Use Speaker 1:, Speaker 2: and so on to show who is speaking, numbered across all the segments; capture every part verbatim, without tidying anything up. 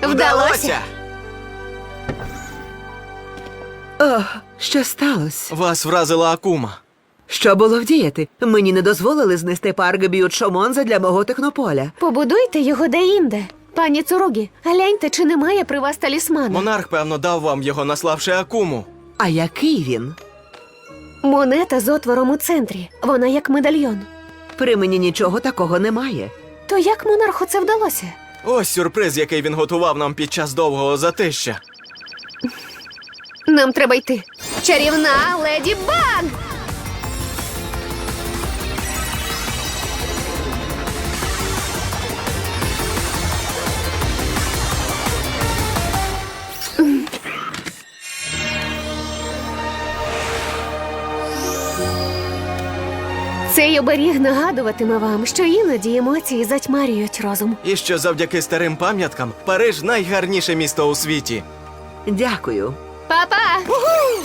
Speaker 1: Вдалося!
Speaker 2: О, що сталося?
Speaker 3: Вас вразила Акума.
Speaker 2: Що було вдіяти? Мені не дозволили знести парк Б'ют-Шомонза для мого технополя.
Speaker 1: Побудуйте його де-інде. Пані Цуругі, гляньте, чи немає при вас талісмана.
Speaker 3: Монарх, певно, дав вам його, наславши Акуму.
Speaker 2: А який він?
Speaker 1: Монета з отвором у центрі. Вона як медальйон.
Speaker 2: При мені нічого такого немає.
Speaker 1: То як монарху це вдалося?
Speaker 3: Ось сюрприз, який він готував нам під час довгого затища.
Speaker 1: Нам треба йти. Чарівна леді Баг! Цей оберіг нагадуватиме вам, що іноді емоції затьмарюють розум.
Speaker 3: І що завдяки старим пам'яткам Париж найгарніше місто у світі.
Speaker 2: Дякую.
Speaker 1: Па-па!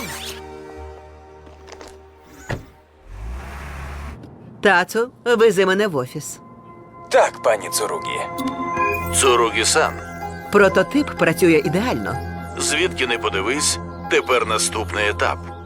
Speaker 2: Тацу, вези мене в офіс.
Speaker 4: Так, пані Цуругі.
Speaker 5: Цуругі-сан,
Speaker 2: Прототип працює ідеально.
Speaker 5: звідки не подивись, тепер наступний етап.